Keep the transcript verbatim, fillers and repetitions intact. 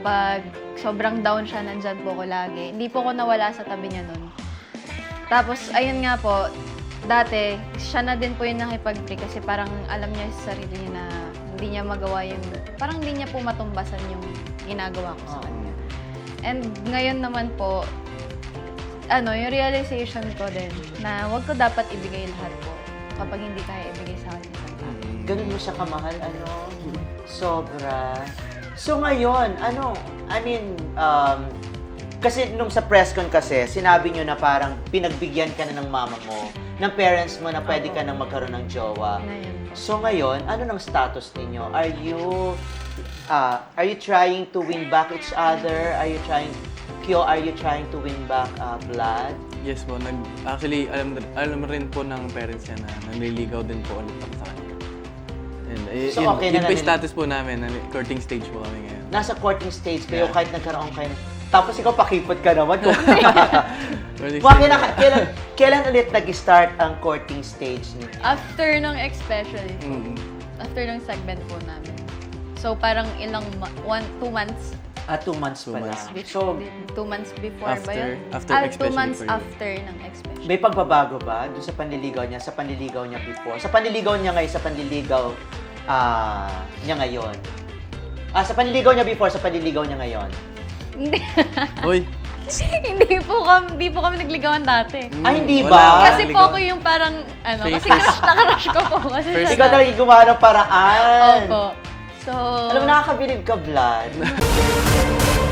kapag sobrang down siya, nandyan po ko lagi. Hindi po ko nawala sa tabi niya nun. Tapos, ayun nga po, dati, siya na din po yung nakipag-break kasi parang alam niya sa sarili niya na hindi niya magawa yung, parang hindi niya po matumbasan yung ginagawa ko sa kanya. And ngayon naman po, ano, yung realization ko din na wag ko dapat ibigay lahat po kapag hindi kaya ibigay sa kanya. Ganun mo siya kamahal, ano? Sobra. So ngayon, ano, I mean, um, kasi nung sa press con kasi, sinabi nyo na parang pinagbigyan ka na ng mama mo, ng parents mo na pwede ka nang magkaroon ng jowa. Ngayon po. So ngayon, ano ng status ninyo? Are you, uh, are you trying to win back each other? Are you trying, Kyo, are you trying to win back uh, blood? Yes po, nag, actually, alam, alam rin po ng parents niya na nanliligaw din po ulit ako sa kanya. And, eh, So, yun, okay yun na po yung nanliligaw? status po namin, nali- courting stage po kami ngayon. Nasa courting stage kayo Yeah. kahit nagkaroon kayo ng- Tapos ikaw pakipot ka naman. Kung Courting Mga stage kailan, po. kailan, kailan ulit nag-start ang courting stage niyo? After ng especially po, Mm. after ng segment po namin. So, parang ilang, ma- one, two months, Ah, two months Two pa months. lang. so, So, two months before ba After- yun? after ah, two especially months for you. after ng especially. may pagbabago ba doon sa panliligaw niya, sa panliligaw niya before? Sa panliligaw niya ngayon, sa panliligaw ah, niya ngayon? Ah, sa panliligaw niya before, sa panliligaw niya ngayon? Hindi. Uy! hindi po kami, hindi po kami nagligawan dati. Ah, hindi Wala. ba? Kasi po ligaw. ako yung parang, ano, Face kasi to face. crush na crush ko po. Kasi First siya Ikaw na- talaga yung gumawa ng paraan. Opo. So, Alam mo, nakakabilib ka, Vlad.